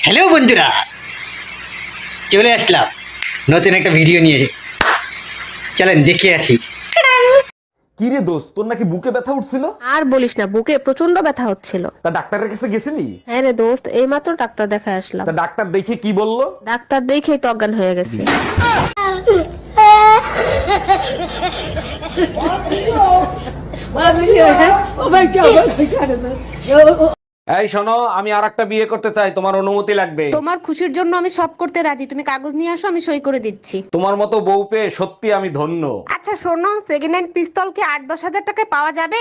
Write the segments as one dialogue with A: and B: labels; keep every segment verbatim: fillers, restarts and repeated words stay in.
A: Hello বন্ধুরা, চলে আসলাম নতুন একটা ভিডিও নিয়ে। চলেন দেখে আসি।
B: কি রে দোস্ত, তোর নাকি বুকে ব্যথা উঠছিল?
C: আর বলিস না, বুকে প্রচন্ড ব্যথা হচ্ছিল।
B: তা ডাক্তারের কাছে গেছিলি?
C: হ্যাঁ রে দোস্ত, এইমাত্র ডাক্তার দেখায় আসলাম।
B: তা ডাক্তার দেখে কি বললো?
C: ডাক্তার দেখেই তো অজ্ঞান হয়ে গেছে।
B: এই শোনো, আমি আর একটা বিয়ে করতে চাই, তোমার অনুমতি লাগবে।
D: তোমার খুশির জন্য আমি সব করতে রাজি, তুমি কাগজ নিয়ে আসো, আমি সই করে দিচ্ছি।
B: তোমার মতো বউ পেয়ে সত্যি আমি ধন্য।
D: আচ্ছা শোনো, সেকেন্ড হ্যান্ড পিস্তল কি আট দশ হাজার টাকায় পাওয়া যাবে?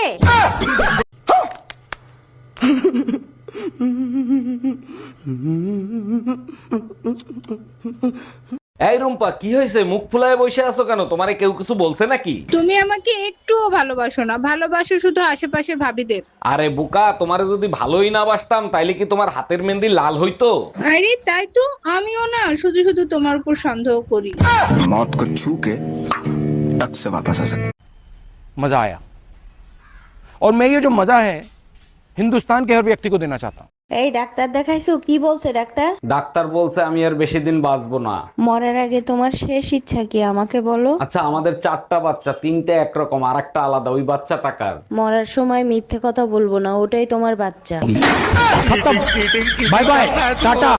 B: এই রুম্পা, কি হয়েছে? মুখ ফুলায় বসে আছো কেন? তোমারে কেউ কিছু বলছে নাকি?
E: তুমি আমাকে একটুও ভালোবাসো না, ভালোবাসো শুধু আশেপাশের ভাবিদের।
B: আরে বোকা, তোমারে যদি ভালোই না বাসতাম তাইলে কি তোমার হাতের মেহেন্দি লাল হইতো?
E: আরে তাই তো, আমিও না শুধু শুধু তোমার উপর সন্দেহ করি।
F: मौत को छू के टक से वापस आ सकते।
G: मजा आया और मैं ये जो मजा है हिंदुस्तान के हर व्यक्ति को देना चाहता हूँ।
H: এই ডাক্তার দেখাইছো? কি বলছে ডাক্তার?
B: ডাক্তার বলছে আমি আর বেশি দিন বাঁচবো না।
H: মরার আগে তোমার শেষ ইচ্ছা কি আমাকে বলো?
B: আচ্ছা, আমাদের চারটা বাচ্চা, তিনটে একরকম আর একটা আলাদা, ওই বাচ্চা টাকার।
H: মরার সময় মিথ্যে কথা বলবো না, ওটাই তোমার বাচ্চা।
G: Bye bye Tata.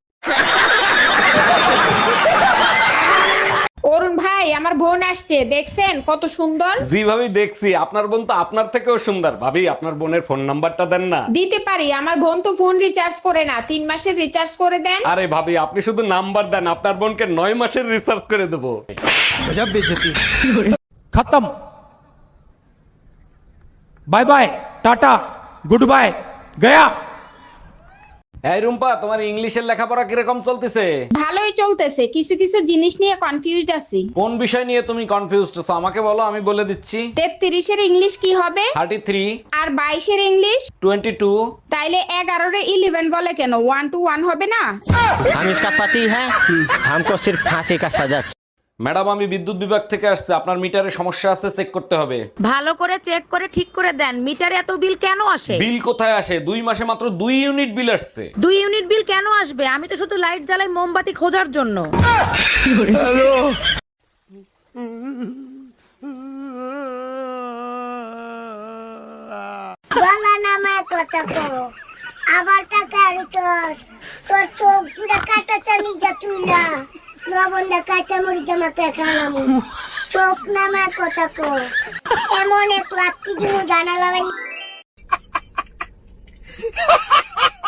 I: অরুণ ভাই, আমার বোন আসছে, দেখছেন কত সুন্দর?
B: জি ভাবি দেখছি, আপনার বোন তো আপনার থেকেও সুন্দর। ভাবি, আপনার বোনের ফোন নাম্বারটা দেন না।
I: দিতে পারি, আমার বোন তো ফোন রিচার্জ করে না, তিন মাসের রিচার্জ করে দেন।
B: আরে ভাবি, আপনি শুধু নাম্বার দেন, আপনার বোনকে নয় মাসের রিসার্চ করে দেবো।
G: गजब बेइज्जती। खत्म। Bye bye tata goodbye गया।
B: এই রুম্পা, তোমার ইংলিশের লেখাপড়া কিরকম চলতেছে?
I: ভালোই চলতেছে, কিছু কিছু জিনিস নিয়ে কনফিউজড আছি।
B: কোন বিষয় নিয়ে তুমি কনফিউজড আছো আমাকে বলো, আমি বলে দিচ্ছি।
I: তেত্রিশের ইংলিশ কি হবে?
B: Thirty three.
I: আর বাইশের ইংলিশ?
B: Twenty two.
I: তাইলে এগারোর ইলেভেন বলে কেন? ওয়ান টু ওয়ান হবে না?
J: हम इसका पति है, हमको सिर्फ फांसी का सजा।
B: ম্যাডাম, আমি বিদ্যুৎ বিভাগ থেকে আসছে, আপনার মিটারে সমস্যা আছে, চেক করতে হবে।
D: ভালো করে চেক করে ঠিক করে দেন, মিটারে এত বিল কেন আসে?
B: বিল কোথায় আসে? দুই মাসে মাত্র দুই ইউনিট বিল আসছে।
D: দুই ইউনিট বিল কেন আসবে? আমি তো শুধু লাইট জ্বালাই মোমবাতি খোঁজার জন্য।
K: বাংলা নামে কথা কো আবার টাকা রিচার্জ তোর চোখ পুরা কাটা চানি যা তুই না লবণ দা কাঁচা মরিচ আমাকে খালাম চোখ নামে কথা কো এমন এক লাত্তি দিন জানালাম।